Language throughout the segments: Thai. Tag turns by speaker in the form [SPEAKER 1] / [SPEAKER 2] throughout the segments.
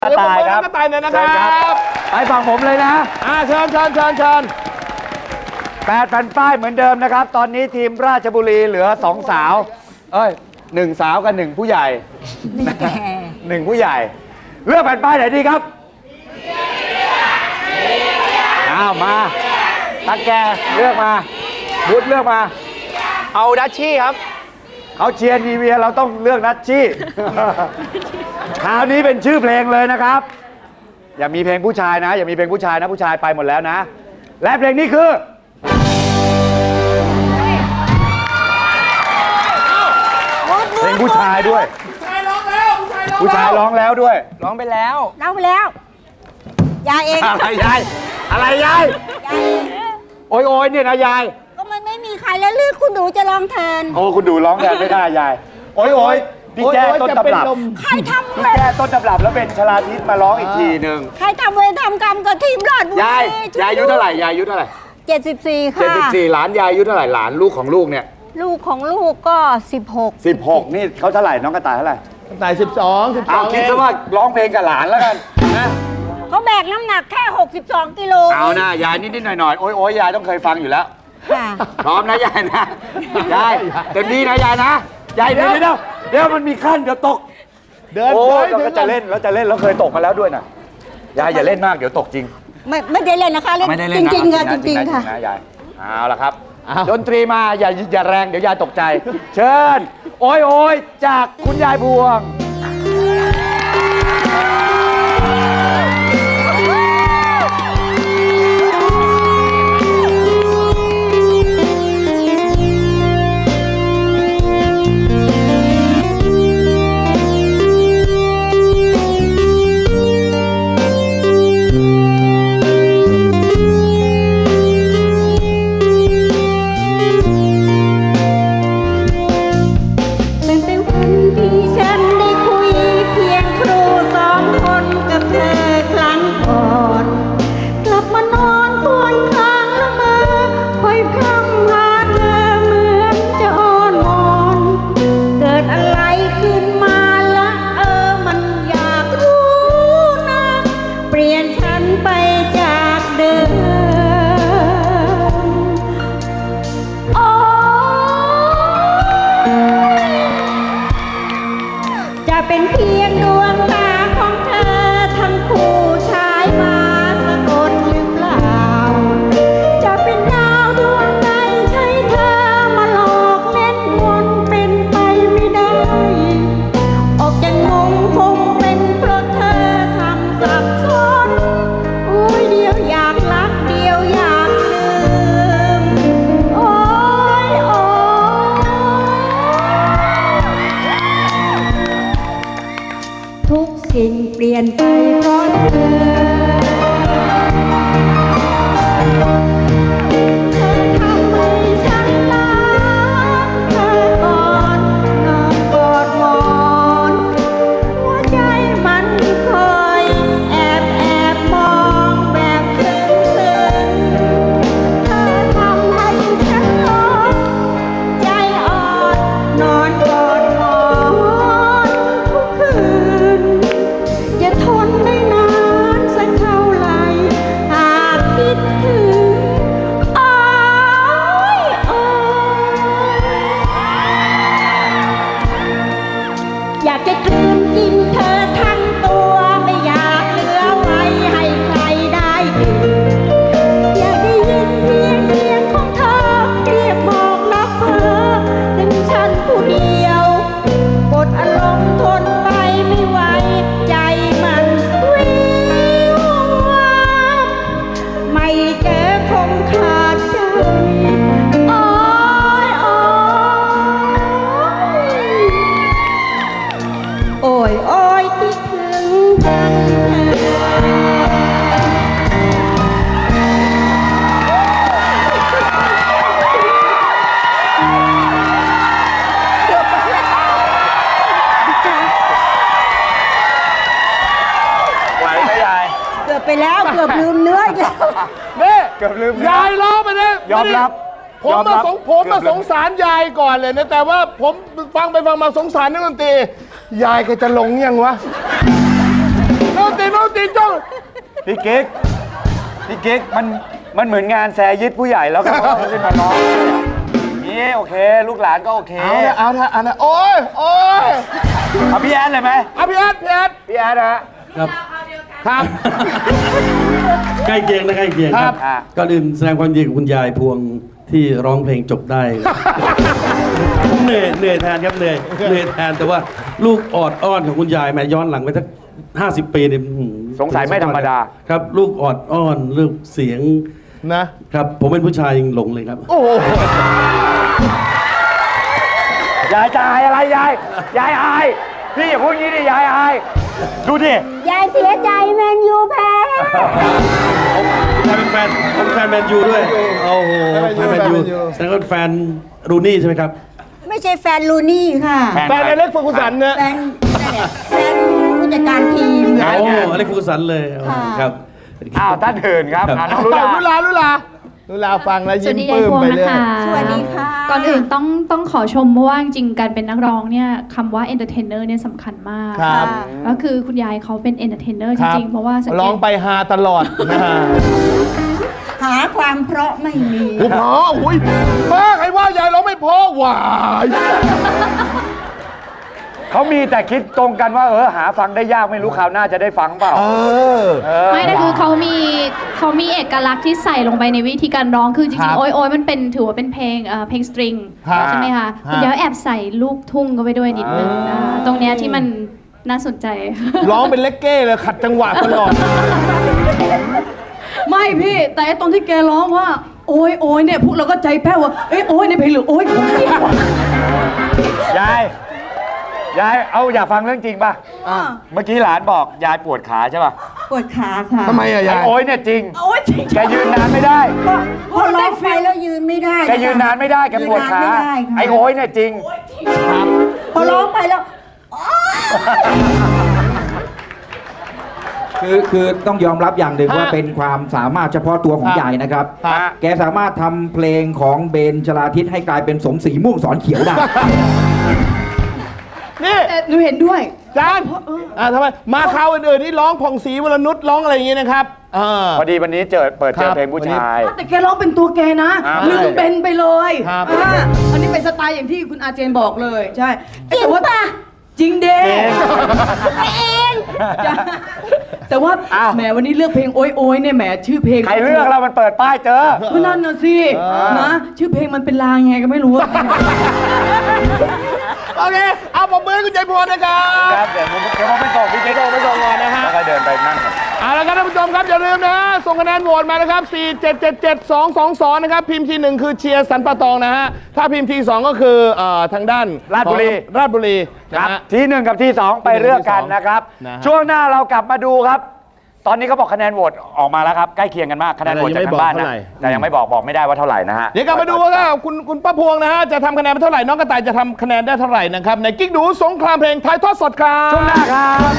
[SPEAKER 1] กระต่ายครับ
[SPEAKER 2] กระต่ายเนี่ยนะครับ
[SPEAKER 1] ไปฝั่งผมเลยนะ
[SPEAKER 2] เชิญ
[SPEAKER 1] 8 แผ่นป้ายเหมือนเดิมนะครับตอนนี้ทีมราชบุรีเหลือ2สาว1 สาวกับ1 ผู้ใหญ่1 ผู้ใหญ่เลือกแผ่นป้ายไหนดีครับมาตาแกเลือกมาวุฒเลือกมา
[SPEAKER 2] เอาดัชชี่ครับ
[SPEAKER 1] เขาเชียร์นีเวียเราต้องเลือกดัชชี่คราวนี้เป็นชื่อเพลงเลยนะครับอย่ามีเพลงผู้ชายนะอย่ามีเพลงผู้ชายนะผู้ชายไปหมดแล้วนะและเพลงนี้คือเพลงผู้ชายด้วยผู้ชายร้องแล้วด้วย
[SPEAKER 2] ร้องไปแล้ว
[SPEAKER 3] ยายเอง
[SPEAKER 1] อะไรยายโอ้ยเนี่ยนะยาย
[SPEAKER 3] ก็มันไม่มีใครแล้วลือคุณหนูจะร้องแทน
[SPEAKER 1] โอ้คุณดูร้องแทนไม่ได้ยายโอ้ยพี่แจ้ต้นตำรับ
[SPEAKER 3] ใครทำ
[SPEAKER 1] พี่แจ้ต้นตำรับแล้วเป็นชลาทิศมาร้องอีกทีหนึ่ง
[SPEAKER 3] ใครทำเวรทำกรรมกับทีมราชบุรี
[SPEAKER 1] ยายอายุเท่าไหร่ยายอายุเท่าไหร่
[SPEAKER 3] 74ค่ะ
[SPEAKER 1] 74หลานยายอายุเท่าไหร่หลานลูกของลูกเนี่ย
[SPEAKER 3] ลูกของลูกก็16
[SPEAKER 1] นี่เขาเท่าไหร่น้องกระต่ายเท่าไหร่
[SPEAKER 2] กระต่าย12
[SPEAKER 1] เอาคิดซะว่าร้องเพลงกับหลานแล้วกันนะ
[SPEAKER 3] เขาแบกน้ำหนักแค่62 กิโล
[SPEAKER 1] เอานะยายนิดๆหน่อยๆโอ้ยยายต้องเคยฟังอยู่แล้วพร้อมนะยายนะยายเต็มที่นะยายนะยายเดี๋ยวมันมีขั้นเดี๋ยวตกโอ้เราก็จะเล่นแล้วเคยตกมาแล้วด้วยนะยายอย่าเล่นมากเดี๋ยวตกจริง
[SPEAKER 3] ไม่ได้เล่นนะคะเล่นจริงค่ะจริงค่ะ
[SPEAKER 1] นะยายเอาละครับดนตรีมาอย่าแรงเดี๋ยวยายตกใจเชิญโอ้ยจากคุณยายพวง
[SPEAKER 3] เป็นเพียงดวงตาของเธอทั้งคู่ชายมาสะกดหรือเปล่าจะเป็นดาวดวงใดใช่เธอมาหลอกเล่นมนเป็นไปไม่ได้ออกจากงงคงเป็นเพราะเธอทำสับสนเดียวอยากรักเดียวอยากลืมทุกสิ่งเปลี่ยนไปเพราะเธอทำให้ฉันรักเธอก่อนนอนกอดหมอนหัวใจมันคอยแอบมองแบบซึ้งเธอทำให้ฉันร้อนใจอ่อนนอนกอดหมอนทุกคืนจะทนได้นานสักเท่าไหร่หากคิดถึงอยากจะกลืนกินเธอทั้งตัวไม่อยากเหลือไว้ให้ใครได้กินอยากได้ยินเพียงเสียงของเธอเรียกบอกรักเธอถึงฉันผู้เดียวกดอารมณ์ทนไปไม่ไหวใจมันวิววับไม่เจอคงขาดใจโอ้ยคิดถึงจัง
[SPEAKER 1] ไหวไหมยาย
[SPEAKER 3] เกือบไปแล้วเกือบลืมเนื้ออีกแล้ว
[SPEAKER 2] นี่
[SPEAKER 1] เกือบลืม
[SPEAKER 2] ยายร้องไปนะ
[SPEAKER 1] ยอมรับ
[SPEAKER 2] ผมมาสงสารยายก่อนเลยนะแต่ว่าผมฟังไปฟังมาสงสารนักดนตรียายแกจะหลงยังวะนักดนตรี
[SPEAKER 1] พี่กิ๊กมันเหมือนงานแซยิดผู้ใหญ่แล้วก็ขึ้นมาร้องนี่โอเค ลูกหลานก็โอเค
[SPEAKER 2] เอาเถอะโอ้ย
[SPEAKER 1] เอาพี่แอดเลยไหม
[SPEAKER 2] เอาพี่แอด
[SPEAKER 1] พี่แอดฮะ
[SPEAKER 4] ครับ
[SPEAKER 2] ครับ
[SPEAKER 4] ใกล้เคียงนะใกล้เคียงครับ
[SPEAKER 1] ครับ
[SPEAKER 4] ก่อนอื่นแสดงความยินดีกับคุณยายพวงที่ร้องเพลงจบได้ ผมเหนื่อยแทนครับเหนื่อยแทนแต่ว่าลูกออดอ้อนของคุณยายแม่ย้อนหลังไปสัก50 ปีเนี่ย
[SPEAKER 1] สงสัยไม่ธรรมดา
[SPEAKER 4] ครับ ลูกออดอ้อนลูกเสียง
[SPEAKER 2] นะครับ
[SPEAKER 4] ผมเป็นผู้ชายยังหลงเลยครับ
[SPEAKER 2] โอ้โห
[SPEAKER 1] ยายจะอายอะไรยายอายพี่อย่าพูดงี้ดิยายอายดูดิ
[SPEAKER 3] ยายเสียใจแมนยูแพ้
[SPEAKER 4] ผมเป็นแฟนแมนยูด้วยโอ้โหแฟนแมนยูแสดงว่าแฟนรูนี่ใช่ไหมครับ
[SPEAKER 3] ไม่ใช่แฟนลูนี่ค่ะ
[SPEAKER 2] แฟนอเล็กซ์เฟอร์กูสันเนี่ย
[SPEAKER 3] แฟนผู้จัดการทีม
[SPEAKER 4] โอ้อเล็กซ์ฟูสันเลยครับ
[SPEAKER 1] อ้าวท่านอื่นครับ
[SPEAKER 4] ครับ
[SPEAKER 1] น้องลุลา
[SPEAKER 2] ลุลาฟังแล้ว
[SPEAKER 5] ส
[SPEAKER 2] ยิ้
[SPEAKER 5] วั
[SPEAKER 2] ม
[SPEAKER 5] สดี
[SPEAKER 2] ป
[SPEAKER 5] ยาย
[SPEAKER 2] ลื้ม
[SPEAKER 5] พวง
[SPEAKER 2] ไป
[SPEAKER 5] นะ
[SPEAKER 2] เรื่อย
[SPEAKER 5] คะ
[SPEAKER 3] สวัสดีค่ะ
[SPEAKER 5] ก่อนอื่นต้องขอชมเพราะว่าจริงๆการเป็นนักร้องเนี่ยคำว่า entertainer เนี่ยสำคัญมาก
[SPEAKER 2] ครับ
[SPEAKER 5] ก็คือคุณยายเขาเป็น entertainer จ
[SPEAKER 2] ครับ
[SPEAKER 5] ริงๆ เพราะว่าสังเก
[SPEAKER 2] ร้อง
[SPEAKER 5] ต
[SPEAKER 2] ไปฮาตลอดนะฮะ
[SPEAKER 3] หาความเพราะไม่มี
[SPEAKER 2] โอ้โหอุ้ยป้าใครว่ายายร้องไม่เพอหวาย
[SPEAKER 1] เขามีแต่คิดตรงกันว่าหาฟังได้ยากไม่รู้คราวหน้าจะได้ฟังเปล่า
[SPEAKER 5] ไม่แต่คือเขามีเอกลักษณ์ที่ใส่ลงไปในวิธีการร้องคือจ
[SPEAKER 2] ครั
[SPEAKER 5] ริง
[SPEAKER 2] บ
[SPEAKER 5] ๆโอ้ยมันเป็นถือว่าเป็นเพลงสตริง
[SPEAKER 2] ครับ
[SPEAKER 5] ใช่ไหมคะคุณยายแอบใส่ลูกทุ่งเข้าไปด้วยนิดนึงนะตรงเนี้ยที่มันน่าสนใจ
[SPEAKER 2] ร้องเป็นเลกเก้เลยขัดจังหวะตลอด
[SPEAKER 6] ไม่พี่ แต่ไอ้ตอนที่แกร้องว่า โอ้ยเนี่ยพวกเราก็ใจแป้วว่าเอ้ยโอ้ยในเพลงหรือโอ้ยของจริงวะ
[SPEAKER 1] ยายเอาอยากฟังเรื่องจริงป่ะเมื่อกี้หลานบอกยายปวดขาใช่ป่ะ
[SPEAKER 3] ปวดขาค่ะ
[SPEAKER 2] ทำไมอะ
[SPEAKER 1] ไอ้
[SPEAKER 2] ยาย
[SPEAKER 1] โอ้ยเนี่ยจริง
[SPEAKER 6] โอ้ยจริง
[SPEAKER 1] แกยืนนานไม่ได้
[SPEAKER 3] พอร้องไปแล้วยืนไม่ได้
[SPEAKER 1] แกยืนนานไม่ได้แกปวดขา
[SPEAKER 3] ยืนนนไม่ได้ค่ะ
[SPEAKER 1] ไอ้โอ้ยเนี่ยจริง
[SPEAKER 3] พอร้องไปแล้ว
[SPEAKER 7] คือต้องยอมรับอย่างหนึ่ง
[SPEAKER 2] ฮะ
[SPEAKER 7] ว่าเป็นความสามารถเฉพาะตัวของ
[SPEAKER 2] ครับ
[SPEAKER 7] ยายนะครับ
[SPEAKER 2] ครับ
[SPEAKER 7] แกสามารถทำเพลงของเบนชลาทิศให้กลายเป็นสมศรีม่วงสอนเขียวได้
[SPEAKER 2] นี่
[SPEAKER 6] แต่หนูเห็นด้วย
[SPEAKER 2] จานทำไมมาคราวอื่นๆนี่ร้องผ่องศรีวรนุชร้องอะไรอย่างงี้นะครับ
[SPEAKER 1] พอดีวันนี้เปิดเจอเพลงผู้ชาย
[SPEAKER 6] แต่แกร้องเป็นตัวแกนะ
[SPEAKER 1] ครับ
[SPEAKER 6] ลืมเบนไปเลย
[SPEAKER 2] ครับ
[SPEAKER 6] อันนี้เป็นสไตล์อย่างที่คุณอาเจนบอกเลยใช่
[SPEAKER 3] จริง
[SPEAKER 6] แต่ว่า
[SPEAKER 3] ป่ะ
[SPEAKER 6] จริงเด้
[SPEAKER 3] เอง
[SPEAKER 6] จ้ะแต่ว่า
[SPEAKER 1] อ้าว
[SPEAKER 6] แหมวันนี้เลือกเพลงโอ้ยเนี่ยแหมชื่อเพลง
[SPEAKER 1] ใครเลือกเรามันเปิดป้ายเจอ
[SPEAKER 6] ก็นั่นน่ะสินะชื่อเพลงมันเป็นลางไงก็ไม่รู้อะ
[SPEAKER 2] โอเค เอาปมมือให้คุณใจพรนะครับ
[SPEAKER 1] ครับเดี๋ยวผมไปส่งพี่เจ๊ไปส่งก่อนนะฮะแล้วก็เดินไปนั่งก่อน
[SPEAKER 2] เอาละครับท่านผู้ชมครับอย่าลืมนะ ส่งคะแนนโหวตมานะครับ 4777222 นะครับ พิมพ์ที 1 คือเชียร์สันปะตองนะฮะ ถ้าพิมพ์ที 2 ก็คือทางด้าน
[SPEAKER 1] ราชบุรี
[SPEAKER 2] ของราชบุรี
[SPEAKER 1] ค
[SPEAKER 2] นะ
[SPEAKER 1] รับ
[SPEAKER 2] ฮะ
[SPEAKER 1] ที่1กับที่2ไปเลือกกันนะครับ
[SPEAKER 2] นะฮะ
[SPEAKER 1] ช่วงหน้าเรากลับมาดูครับ ตอนนี้เขาบอกคะแนนโหวตออกมาแล้วครับใกล้เคียงกันมากคะแนนโหวตจากทางบ้านนะแต่ยังไม่บอกไม่ได้ว่าเท่าไหร่นะฮะ
[SPEAKER 2] เดี๋ยวกลับมาดูว่าคุณป้าพวงนะฮะ จะทำคะแนนไปเท่าไหร่ น้องกระต่ายจะทำคะแนนได้เท่าไหร่นะครับ ในกิ๊กดูสงครามเพลงถ่ายทอดสดครับ
[SPEAKER 1] ช่วงหน้าครับ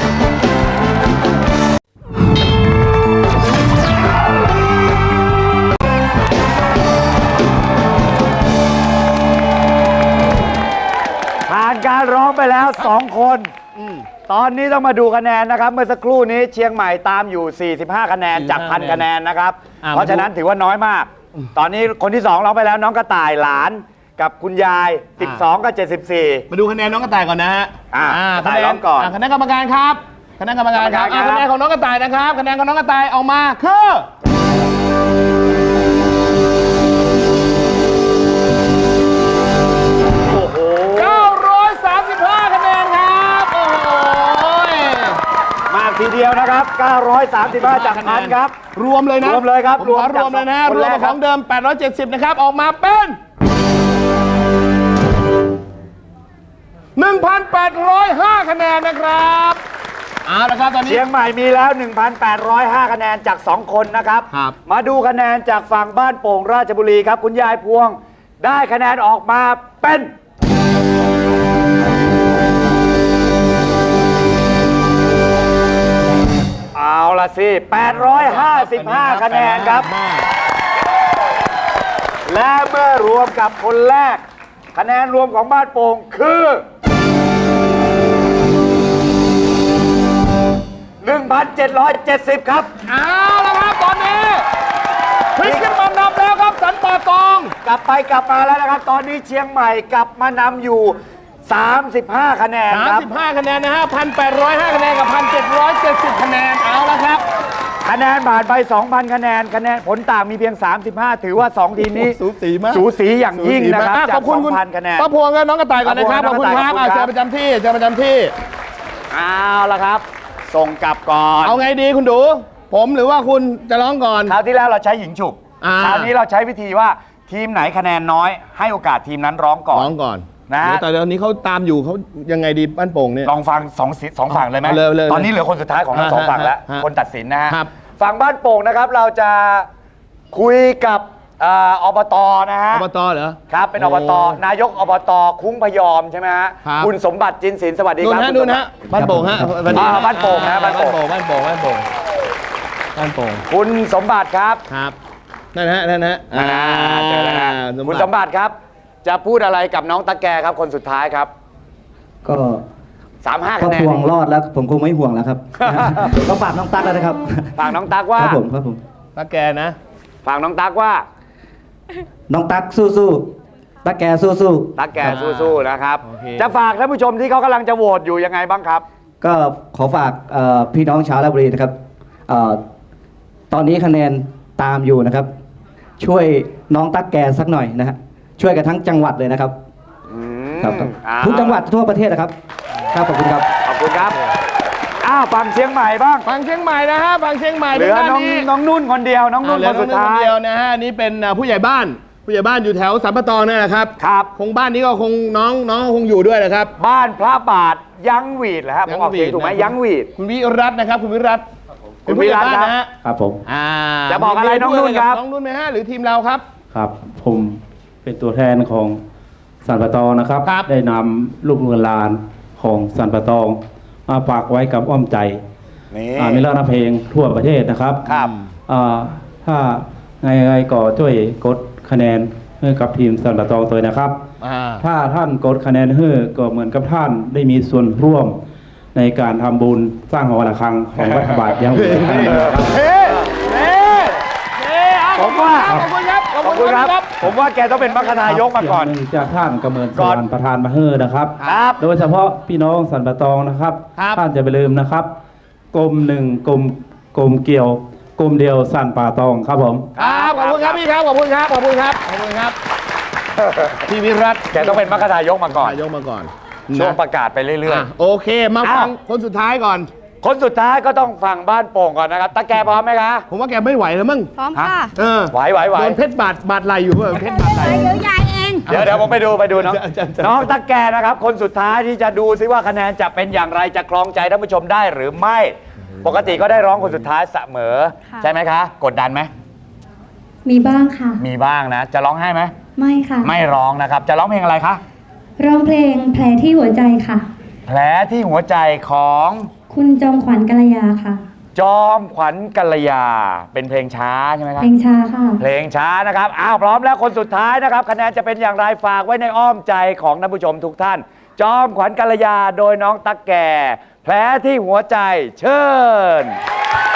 [SPEAKER 1] ผ่านการร้องไปแล้ว 2 คนตอนนี้ต้องมาดูคะแนนนะครับ เมื่อสักครู่นี้เชียงใหม่ตามอยู่ 45 คะแนนจาก 1,000 คะแนนนะครับ เพราะฉะนั้นถือว่าน้อยมาก ตอนนี้คนที่ 2 ร้องไปแล้วน้องกระต่ายหลานกับคุณยาย 12 กับ 74
[SPEAKER 2] มาดูคะแนนน้องกระต่ายก่อนนะฮะ
[SPEAKER 1] กระต่ายร้องก่อน
[SPEAKER 2] คะแนนกรรมการครับคะแนนกรรมการครับ
[SPEAKER 1] กรรมการครับ
[SPEAKER 2] คะแนนของน้องกระต่ายนะครับคะแนนของน้องกระต่ายออกมาคือ
[SPEAKER 1] โอ้โห
[SPEAKER 2] 935 คะแนนครับโอ้โห
[SPEAKER 1] มากทีเดียวนะครับ 935 จากพันครับ
[SPEAKER 2] รวมเลยนะ
[SPEAKER 1] รวมเลยครับ
[SPEAKER 2] ผมขอรวมเลยนะ
[SPEAKER 1] คน
[SPEAKER 2] รว
[SPEAKER 1] แร
[SPEAKER 2] ม
[SPEAKER 1] ก
[SPEAKER 2] กับ
[SPEAKER 1] ค
[SPEAKER 2] ข
[SPEAKER 1] รับ
[SPEAKER 2] องเดิม 870 นะครับ ออกมาเป็น 1,805 คะแนนนะครับเอาละครับตอนนี้
[SPEAKER 1] เชียงใหม่มีแล้ว 1,805 คะแนนจาก 2 คนนะครับ
[SPEAKER 2] ครับ
[SPEAKER 1] มาดูคะแนนจากฝั่งบ้านโป่งราชบุรีครับ คุณยายพวง ได้คะแนนออกมาเป็น เอาละสิ 855 คะแนนครับ และเมื่อรวมกับคนแรก คะแนนรวมของบ้านโป่งคือ 1,770 ครับ
[SPEAKER 2] เอาละครับตอนนี้พลิกขึ้นมานำแล้วครับสันป่าตอง
[SPEAKER 1] กลับไปกลับมาแล้วนะครับ ตอนนี้เชียงใหม่กลับมานำอยู่ 35 คะแนนครับ
[SPEAKER 2] 35 คะแนนนะฮะ 1,805 คะแนนกับ 1,770 คะแนน เอาละครับ
[SPEAKER 1] คะแนนผ่านไป 2,000 คะแนน คะแนนผลต่างมีเพียง 35 ถือว่า 2 ทีมนี้
[SPEAKER 2] สูสีมาก
[SPEAKER 1] สูสีอย่างยิ่งนะครับ
[SPEAKER 2] อ่ะ
[SPEAKER 1] จา
[SPEAKER 2] ขอก บคุณคุณ
[SPEAKER 1] 2,000 คะแนน
[SPEAKER 2] ป้าพวงกับน้องกระต่ายก่อนนะครับ ข
[SPEAKER 1] ป้า
[SPEAKER 2] อบ
[SPEAKER 1] พวง
[SPEAKER 2] คุณครับ
[SPEAKER 1] ขอบคุณครับ
[SPEAKER 2] เจอประจำที่เจอประจำที่
[SPEAKER 1] เอาละครับ ส่งกลับก่อน
[SPEAKER 2] เอาไงดีคุณดู ผมหรือว่าคุณจะร้องก่อน
[SPEAKER 1] คราวที่แล้วเราใช้หญิงฉุบ
[SPEAKER 2] อ่า
[SPEAKER 1] คราวนี้เราใช้วิธีว่าทีมไหนคะแนนน้อย ให้โอกาสทีมนั้นร้องก่อน
[SPEAKER 2] ร้องก่อน
[SPEAKER 1] นะ
[SPEAKER 2] เดี๋ยวแต่เดี๋ยวนี้เขาตามอยู่เขายังไงดีบ้านโป่งเนี่ย
[SPEAKER 1] ลองฟังสองฝั่งเลยไหม
[SPEAKER 2] เอาเลย
[SPEAKER 1] ตอนนี้เหลือคนสุดท้ายของทั้งสองฝั่งแล้ว
[SPEAKER 2] ฮะ
[SPEAKER 1] คนตัดสินนะฮะ
[SPEAKER 2] ครับ
[SPEAKER 1] ฝั่งบ้านโป่งนะครับเราจะคุยกับอบตนะฮะ
[SPEAKER 2] อบตเหรอ
[SPEAKER 1] ครับเป็นอบต
[SPEAKER 2] โอ้
[SPEAKER 1] นายกอบตคุ้งพยอมใช่ไหมฮะ
[SPEAKER 2] ครับ
[SPEAKER 1] คุณสมบัติจินศิลป์สวัสดี
[SPEAKER 2] นู่
[SPEAKER 1] คน รับ
[SPEAKER 2] ฮะ
[SPEAKER 1] คุณ
[SPEAKER 2] นู่น
[SPEAKER 1] สมบั
[SPEAKER 2] ฮะ
[SPEAKER 1] ติ
[SPEAKER 2] บ้านโป่งฮะสวัสดี
[SPEAKER 1] บ้านโป่งนะบ้านโป่ง
[SPEAKER 2] บ้านโป่งบ้านโป่งบ้านโป่ง
[SPEAKER 1] คุณสมบัติครับ
[SPEAKER 2] ครับนั่นฮะนั่นฮะ
[SPEAKER 1] เจอแล้วฮะคุณสมบัติครับ จะพูดอะไรกับน้องตะแกครับคนสุดท้ายครับ
[SPEAKER 8] ก็
[SPEAKER 1] 35
[SPEAKER 8] ก็
[SPEAKER 1] คะแนน
[SPEAKER 8] ห่วงรอดแล้วผมคงไม่ห่วงแล้วครับ ต้องฝากน้องตั๊กแล้วนะครับ
[SPEAKER 1] ฝากน้องตั๊กว่า
[SPEAKER 8] ครับผมครับผม
[SPEAKER 2] ตาแกนะ
[SPEAKER 1] ฝากน้องตั๊กว่า
[SPEAKER 8] น้องตั๊กสู้ๆตั๊กแกสู้
[SPEAKER 1] ตั๊กแกสู้ๆนะครับ
[SPEAKER 2] โอเค
[SPEAKER 1] จะฝากท่านผู้ชมที่เขากำลังจะโหวตอยู่ยังไงบ้างครับ
[SPEAKER 8] ๆก็ขอฝากพี่น้องชาวราชบุรีนะครับเอ่อตอนนี้คะแนนตามอยู่นะครับ ช่วยน้องตั๊กแกสักหน่อยนะฮะช่วยกันทั้งจังหวัดเลยนะครับ
[SPEAKER 1] อืม
[SPEAKER 8] ครับ
[SPEAKER 1] อ้าว
[SPEAKER 8] ทุกจังหวัดทั่วประเทศนะครับครับขอบคุณครับ
[SPEAKER 1] ขอบคุณครับอ้าวฝั่งเชียงใหม่บ้าง
[SPEAKER 2] ฟังเชียงใหม่นะฮะฟังเชียงใหม่
[SPEAKER 1] เหลือ
[SPEAKER 2] ด้าน
[SPEAKER 1] น้อง
[SPEAKER 2] นี้
[SPEAKER 1] น้องนุ่นคนเดียว น้องนุ่น
[SPEAKER 2] เหลื
[SPEAKER 1] ค
[SPEAKER 2] อน
[SPEAKER 1] สุดท้าย
[SPEAKER 2] เดียวนะฮะนี่เป็นผู้ใหญ่บ้าน ผู้ใหญ่บ้านอยู่แถวสัมปะตองนี่แหละครับ
[SPEAKER 1] ครับ
[SPEAKER 2] คงบ้านนี้ก็คงน้องคงอยู่ด้วยนะครับ
[SPEAKER 1] บ้านพระบาทยังหวีดเหรอครับผมออกเสียงถูกไหม
[SPEAKER 2] นะ
[SPEAKER 1] ยังหวีด
[SPEAKER 2] คุณวิรัตน์นะครับ คุณวิรัตน์
[SPEAKER 1] คุ
[SPEAKER 2] เป็น
[SPEAKER 1] ณ
[SPEAKER 2] ผู้ใหญ่
[SPEAKER 1] วิรัตน์
[SPEAKER 2] บ้านนะฮะ
[SPEAKER 8] ครับผม
[SPEAKER 2] อ่า
[SPEAKER 1] จะบอกอะไรน้องนุ่นครับ
[SPEAKER 2] น้องนุ่นไหมฮะหรือทีมเราครับ
[SPEAKER 4] ครับ ผมเป็นตัวแทนของสันปะตองนะครับ
[SPEAKER 2] ครับ
[SPEAKER 4] ได้นำลูกหลานของสันปะตองมาฝากไว้กับอ้อมใจ
[SPEAKER 1] นี่
[SPEAKER 4] มีร้านเพลงทั่วประเทศนะครับ
[SPEAKER 1] ครับ
[SPEAKER 4] ถ้าไงก็ช่วยกดคะแนนให้กับทีมสันปะตองตัวนะครับ ถ้าท่านกดคะแนนให้ก็เหมือนกับท่านได้มีส่วนร่วมในการทำบุญสร้างหอระฆังของรัฐบาลยังอยู่นะครับ
[SPEAKER 1] เฮ้เฮ้ผมว่า
[SPEAKER 2] ขอบคุณครับ
[SPEAKER 1] ขอบคุณครับ ผมว่าแกต้องเป็นมรรคนายกมาก่อน
[SPEAKER 4] เสียงหงจากท่านกำเนิดส
[SPEAKER 1] ก่
[SPEAKER 4] ว
[SPEAKER 1] อ
[SPEAKER 4] ร
[SPEAKER 1] น
[SPEAKER 4] รค์ประธานมาเฮอนะครับ
[SPEAKER 1] ครับ
[SPEAKER 4] โดยเฉพาะพี่น้องสันปะตองนะครับ
[SPEAKER 2] ครับ
[SPEAKER 4] ท่านจะไปลืมนะครับกลมหนึ่งกลมเกี่ยวกลมเดียวสันป่าตองครับผม
[SPEAKER 2] ครับขอบคุณครับพี่ครับขอบคุณครับขอบคุณครับขอบคุณครับพี่วิรัตน์
[SPEAKER 1] แกต้องเป็นมรรคนายกมาก่อน
[SPEAKER 2] นายกมาก่อน
[SPEAKER 1] ช่วง
[SPEAKER 2] นะ
[SPEAKER 1] ประกาศไปเรื่อย
[SPEAKER 2] อ่ะโอเคมาฟัง
[SPEAKER 1] อ้าว
[SPEAKER 2] คนสุดท้ายก่อน
[SPEAKER 1] ๆ คนสุดท้ายก็ต้องฝั่งบ้านโป่งก่อนนะครับตะแกพร้อมไหมคะ
[SPEAKER 2] ผมว่าแกไม่ไหวแล้วมั้ง
[SPEAKER 3] พร้อมค่ะ
[SPEAKER 2] เออ
[SPEAKER 1] ไหวไหวไหว
[SPEAKER 3] Dạ.
[SPEAKER 2] โดนเพชรบาดไหลอยู่เปล่าเพชรบาดไหล
[SPEAKER 3] เดี๋ยวยายเอง
[SPEAKER 1] เดี๋ยวผมไปดูน้องน้องตะแกนะครับ คนสุดท้ายที่จะดูซิว่าคะแนนจะเป็นอย่างไรจะครองใจท่านผู้ชมได้หรือไม่ ปกติก็ได้ร้องคนสุดท้ายเสมอ
[SPEAKER 5] ค่ะ
[SPEAKER 1] ใช่ไหมคะ กดดันไหม
[SPEAKER 5] มีบ้างค่ะ
[SPEAKER 1] มีบ้างนะ จะร้องให้ไหม
[SPEAKER 5] ไม่ค่ะ
[SPEAKER 1] ไม่ร้องนะครับ จะร้องเพลงอะไรคะ
[SPEAKER 5] ร้องเพลงแผลที่หัวใจค่ะ
[SPEAKER 1] แผลที่หัวใจของ
[SPEAKER 5] คุณจอมขวัญกัลยาค่ะ
[SPEAKER 1] จอมขวัญกัลยา เป็นเพลงช้าใช่ไหมครับ
[SPEAKER 5] เพลงช้าค่ะ
[SPEAKER 1] เพลงช้านะครับ อ้าวพร้อมแล้วคนสุดท้ายนะครับ คะแนนจะเป็นอย่างไรฝากไว้ในอ้อมใจของท่านผู้ชมทุกท่าน จอมขวัญกัลยาโดยน้องตั๊กแก่ แผลที่หัวใจเชิญ